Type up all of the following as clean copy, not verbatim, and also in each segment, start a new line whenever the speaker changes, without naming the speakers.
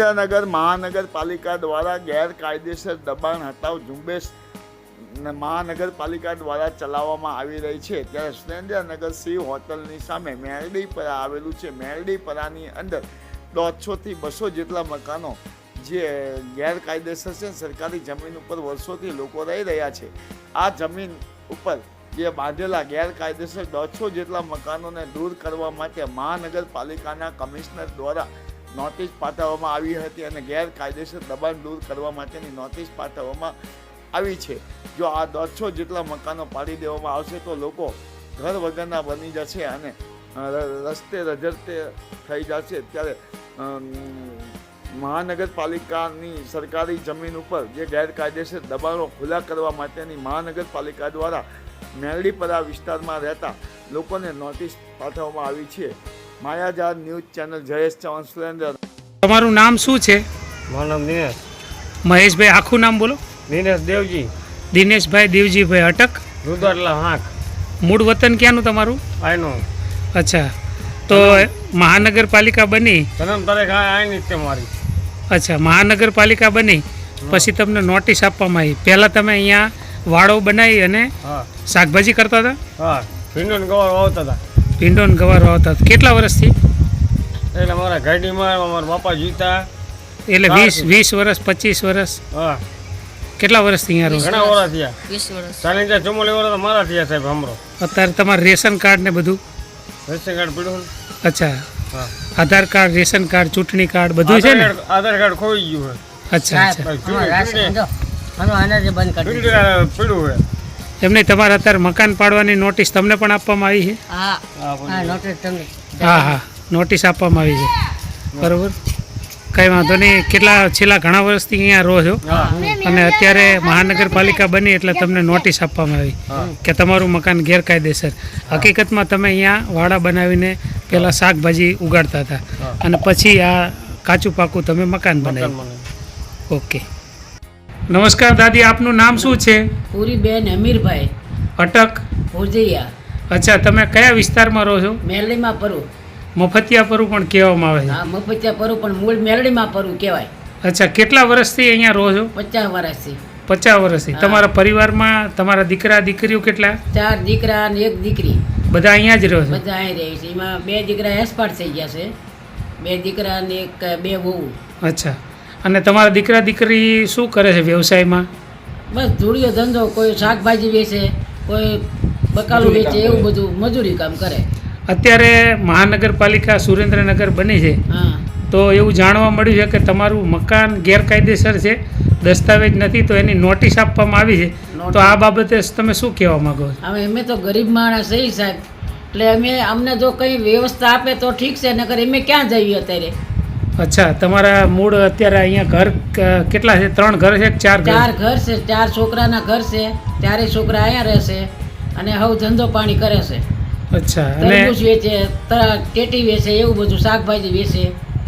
સુરેન્દ્રનગર મહાનગરપાલિકા દ્વારા ગેરકાયદેસર દબાણ હટાવ ઝુંબેશ મહાનગરપાલિકા દ્વારા ચલાવવામાં આવી રહી છે, ત્યારે સુરેન્દ્રનગર શિવ હોટલની સામે મેરડીપરા આવેલું છે. મેરડીપરાની અંદર 150 થી 200 જેટલા મકાનો જે ગેરકાયદેસર છે, સરકારી જમીન ઉપર વર્ષોથી લોકો રહી રહ્યા છે. આ જમીન ઉપર જે બાંધેલા ગેરકાયદેસર 150 જેટલા મકાનોને દૂર કરવા માટે મહાનગરપાલિકાના કમિશનર દ્વારા નોટિસ પાઠવવામાં આવી હતી અને ગેરકાયદેસર દબાણ દૂર કરવા માટેની નોટિસ પાઠવવામાં આવી છે. જો આ 150 જેટલા મકાનો પાડી દેવામાં આવશે તો લોકો ઘર વગરના બની જશે અને રસ્તે રજડતે થઈ જશે. ત્યારે મહાનગરપાલિકાની સરકારી જમીન ઉપર જે ગેરકાયદેસર દબાણો ખુલ્લા કરવા માટેની મહાનગરપાલિકા દ્વારા મેરડીપરા વિસ્તારમાં રહેતા લોકોને નોટિસ પાઠવવામાં આવી છે. માયાજાર ન્યૂઝ ચેનલ જયેશ ચૌહાણ સુરેન્દ્ર.
તમારું નામ શું છે?
મારું નામ દિનેશ.
મહેશભાઈ, આખું નામ બોલો.
દિનેશ દેવજી.
દિનેશભાઈ દેવજીભાઈ અટક,
રુદરલા હાંક.
મૂળ વતન ક્યાંનું તમારું?
આયનો.
અચ્છા, તો મહાનગરપાલિકા બની
જન્મ તારીખ આયની જ મારી.
અચ્છા, મહાનગરપાલિકા બની પછી તમને નોટિસ આપવામાં આવી. પહેલાં તમે અહીંયા વાડો બનાવી અને
હા
શાકભાજી કરતા હતા?
હા, ભીંડોને ગવાર વાવતા હતા.
ભીંડોને ગવાર વાવતા હતા. કેટલા વર્ષથી?
એટલે મારા ગાડીમાં મારા બાપા જીતા.
એટલે 20 વર્ષ, 25 વર્ષ?
હા.
કેટલા વર્ષથી અહીંયા રહો?
ઘણા વર્ષ થયા. 20 વર્ષ. 44 વર્ષ મારા થયા સાહેબ. હમરો
અત્યારે તમારું રેશન કાર્ડ ને બધું?
રેશન કાર્ડ પીડું.
અચ્છા,
હા.
આધાર કાર્ડ, રેશન કાર્ડ, ચૂંટણી કાર્ડ બધું છે ને?
આધાર કાર્ડ ખોઈ ગયું છે.
અચ્છા અચ્છા,
પીડું છે.
એમને તમારે અત્યારે મકાન પાડવાની નોટિસ તમને પણ આપવામાં આવી છે? હા હા, નોટિસ આપવામાં આવી છે. બરોબર, કંઈ વાંધો નહીં. છેલ્લા ઘણા વર્ષથી અહીંયા રહો છો અને અત્યારે મહાનગરપાલિકા બની એટલે તમને નોટિસ આપવામાં આવી કે તમારું મકાન ગેરકાયદેસર. હકીકતમાં તમે અહીંયા વાડા બનાવીને પહેલાં શાકભાજી ઉગાડતા હતા અને પછી આ કાચું પાકું તમે મકાન બનાવ્યું. ઓકે, નમસ્કાર દાદી, આપનું નામ શું છે?
પૂરીબેન અમીરભાઈ
અટક,
ભોજૈયા.
અચ્છા, તમે કયા વિસ્તારમાં રહો છો?
મેરડીમાં પરું.
મફતિયા પરું પણ કહેવામાં આવે છે.
હા, મફતિયા પરું પણ મૂળ મેરડીમાં પરું કહેવાય.
અચ્છા, કેટલા વર્ષથી અહીંયા રહો છો?
50 વર્ષથી.
50 વર્ષથી. તમારા પરિવારમાં તમારા દીકરા દીકરીઓ કેટલા?
4 દીકરા અને 1 દીકરી.
બધા અહીંયા જ રહો છો?
બધા અહીં રહે છે. એમાં 2 દીકરા એક્સપાયર થઈ ગયા છે. 2 દીકરા અને 2 વહુ.
અચ્છા, અને તમારા દીકરા દીકરી શું કરે છે વ્યવસાયમાં?
બસ ધૂળિયો ધંધો, કોઈ શાકભાજી વેચે, કોઈ બકાલું વેચે, એવું બધું મજૂરી કામ કરે.
અત્યારે મહાનગરપાલિકા સુરેન્દ્રનગર બની છે
હા,
તો એવું જાણવા મળ્યું છે કે તમારું મકાન ગેરકાયદેસર છે, દસ્તાવેજ નથી, તો એની નોટિસ આપવામાં આવી છે. તો આ બાબતે તમે શું કહેવા માંગો છો?
હવે અમે તો ગરીબ માણસ છીએ સાહેબ, એટલે અમને જો કંઈ વ્યવસ્થા આપે તો ઠીક છે, નકર અમે ક્યાં જઈએ અત્યારે?
અચ્છા, તમારા મૂળ અત્યારે અહીંયા ઘર કેટલા છે? 3 ઘર છે કે 4 ઘર?
4 ઘર છે. 4 છોકરાના ઘર છે. 4 છોકરા અહીંયા રહેશે અને હવે ધંધો પાણી કરે છે.
અચ્છા,
તરબૂચ વેચે, ટેટી વેચે, એવું બધું શાકભાજી વેચે.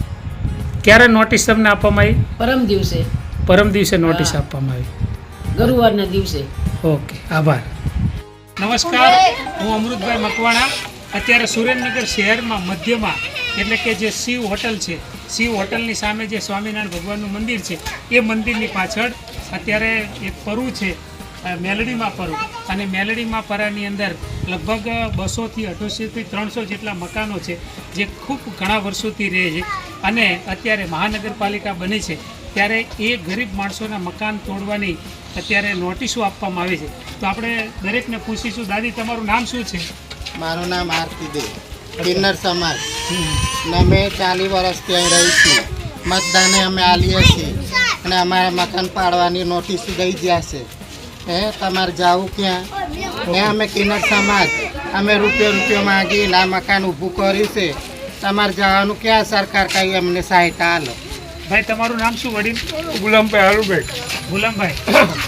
ક્યારે નોટિસ તમને આપવામાં આવી?
પરમ દિવસે.
પરમ દિવસે નોટિસ આપવામાં આવી.
ગુરુવારના દિવસે.
ઓકે, આભાર. નમસ્કાર, હું અમૃતભાઈ મકવાણા. અત્યારે સુરેન્દ્રનગર શહેરમાં મધ્યમાં એટલે કે જે શિવ હોટલ છે, શિવ હોટલની સામે જે સ્વામિનારાયણ ભગવાનનું મંદિર છે, એ મંદિરની પાછળ અત્યારે એક પરું છે, મેલડીમાં પરું. અને મેલડીમાં પરાની અંદર લગભગ 200 થી 250 થી 300 જેટલા મકાનો છે જે ખૂબ ઘણા વર્ષોથી રહે છે. અને અત્યારે મહાનગરપાલિકા બની છે ત્યારે એ ગરીબ માણસોના મકાન તોડવાની અત્યારે નોટિસો આપવામાં આવી છે. તો આપણે દરેકને પૂછીશું. દાદી, તમારું નામ શું છે?
મારું નામ આરતી દે, કિન્નર સમાજ. ને અમે 40 વર્ષથી અહીં રહી છીએ. મતદાને અમે આલીએ છીએ અને અમારા મકાન પાડવાની નોટિસ દઈ ગયા છે. તમારે જવું ક્યાં? અમે કિન્નર સમાજ, અમે રૂપિયો માંગીને આ મકાન ઊભું કર્યું છે. તમારે જવાનું ક્યાં? સરકાર કઈ અમને સહાયતા હાલો.
ભાઈ, તમારું નામ શું વડીલ?
ગુલામભાઈ હાલુભાઈ.
ગુલામભાઈ,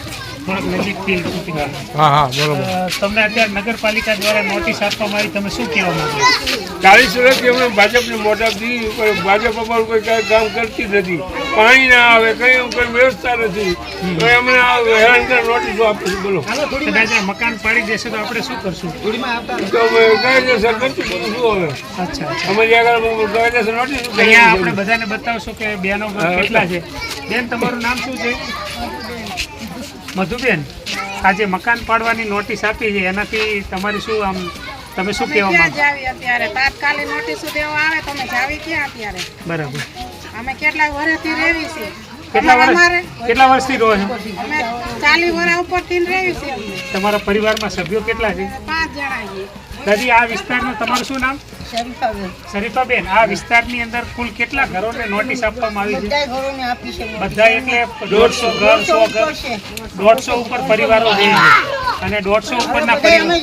થોડોક નજીકથી શૂટિંગ
હા હા બરોબર.
તમને અત્યારે નગરપાલિકા દ્વારા નોટિસ આપવામાં આવી, તમે શું કહેવા માંગો છો?
40 વર્ષથી અમે ભાજપની મોટાથી ભાજપ અમારું કોઈ કાંઈ કામ કરતી નથી. પાણી ના આવે, કંઈ વ્યવસ્થા નથી. તો અમને હેરાન કરી નોટિસો આપે છે. બોલો
કદાચ આ મકાન પાડી દેશે તો આપણે શું કરશું?
તો અમે કાયદેસર કરશું. બધું શું હવે
અચ્છા અચ્છા.
અમારી આગળ કાયદેસર નોટિસ
અહીંયા આપણે બધાને બતાવશો કે બેનો ઘર કેટલા છે. બેન, તમારું નામ શું છે? મધુબેન, આજે મકાન પાડવાની નોટિસ આપી છે, એનાથી તમારી શું આમ તમે શું કહેવા
ક્યાં
માંગો?
જાવી અત્યારે તાત્કાલિક નોટિસો દેવા આવે તો અમે જાવી ક્યાં અત્યારે?
બરાબર.
અમે કેટલા વર્ષથી રહેવી છીએ.
કેટલા વર્ષથી રહો છો?
અમે 40 વર્ષ ઉપરથી રહેવી છીએ.
તમારા પરિવારમાં સભ્યો કેટલા છે?
5 જણા છીએ.
દાદી, આ વિસ્તારનું તમારું શું નામ? શરીફાબેન, આ વિસ્તારની અંદર કુલ કેટલા ઘરોને નોટિસ આપવામાં આવી છે? બધા એટલે 150 ઘર, 100 ઘર, 150 ઉપર પરિવારો છે અને 150 ઉપરના પરિવારો.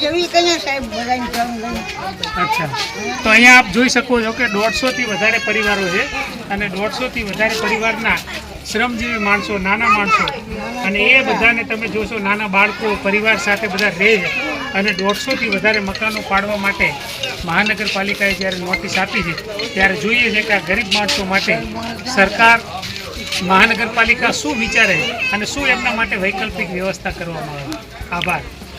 અચ્છા, તો અહીંયા આપ જોઈ શકો છો કે 150 થી વધારે પરિવારો છે અને 150 થી વધારે પરિવારના શ્રમજીવી માણસો, નાના માણસો, અને એ બધાને તમે જોશો નાના બાળકો પરિવાર સાથે બધા રહે છે અને 150 થી વધારે મકાનો પાડવા માટે મહાનગરપાલિકાએ જ્યારે નોટિસ આપી છે ત્યારે જોઈએ છે કે આ ગરીબ માણસો માટે સરકાર, મહાનગરપાલિકા શું વિચારે અને શું એમના માટે વૈકલ્પિક વ્યવસ્થા કરવામાં આવે. આભાર.